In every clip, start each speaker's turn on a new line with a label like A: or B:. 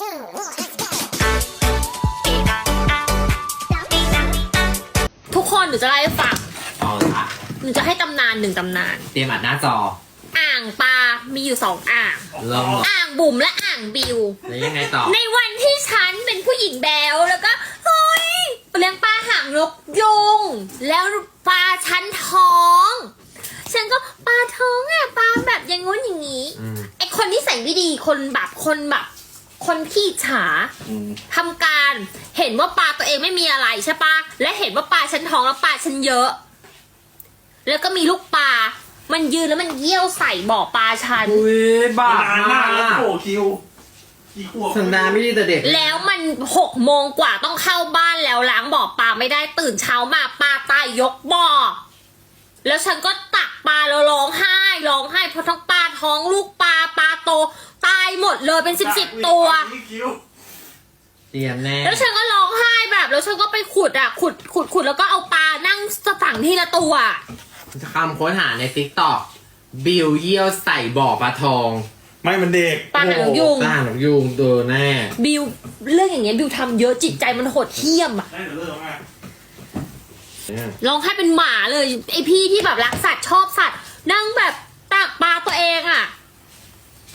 A: ทุกคนหนูจะเล่าให้ฟัง
B: เอาละ
A: หนูจะให้ตำนานหนึ่งตำนาน
B: เตรียมอัดหน้าจอ
A: อ่างปลา มีอยู่2 อ่าง
B: ลอง
A: อ่างบุ๋มและอ่างบิว
B: แล้วยังไงต่อ
A: ในวันที่ฉันเป็นผู้หญิงแบวแล้วก็เฮ้ยเลี้ยงปลาหางนกยุงแล้วปลาฉันท้อง ฉันก็ปลาท้องอ่ะปลาแบบอย่างงู้นอย่างนี้ ไอคนที่ใส่ไม่ดีคนขี้ฉาทำการเห็นว่าปลาตัวเองไม่มีอะไรใช่ปะและเห็นว่าปลาฉันท้องแล้วปลาฉันเยอะ แล้วก็มีลูกปลามันยืนแล้วมันเยี่ยวใส่บ่อปลาฉัน
B: อุ้ยบ้า
C: นานมากแล้วโผล่คิวกี่ขวบ
B: สันดานไม่ดีแต่เด็ก
A: แล้วมัน6 โมงกว่าต้องเข้าบ้านแล้วล้างบ่อปลาไม่ได้ตื่นเช้ามาปลาตายยกบ่อแล้วฉันก็ตักปลาแล้วร้องไห้เพราะทั้งปลาท้องลูกปลาโตตายหมดเลยเป็น10ตัว
B: เตรียมแน่
A: แล้วฉันก็ร้องไห้แบบแล้วฉันก็ไปขุดแล้วก็เอาปลานั่งฝังทีละตัว
B: คำค้นหาในติ๊กต็อกบิวเยี่ยวใส่บ่อปลาทอง
C: ไม่มันเด็ก
A: ปลาหางนกยุง
B: สร้างหนกยุงตัวแน่
A: บิวเรื่องอย่างเงี้ยบิวทำเยอะจิตใจมันโหดเหี้ยมอะ
C: ได้เดี๋ยวเลิกแล้วไง
A: ร้องไห้เป็นหมาเลยไอพี่ที่แบบรักสัตว์ชอบสัตว์นั่งแบบตักปลาตัวเองอะ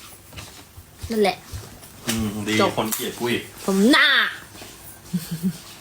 A: นั่นแหละ
C: ดี
A: จบ
C: คนเกลียดกูอีก
A: ผมหน้า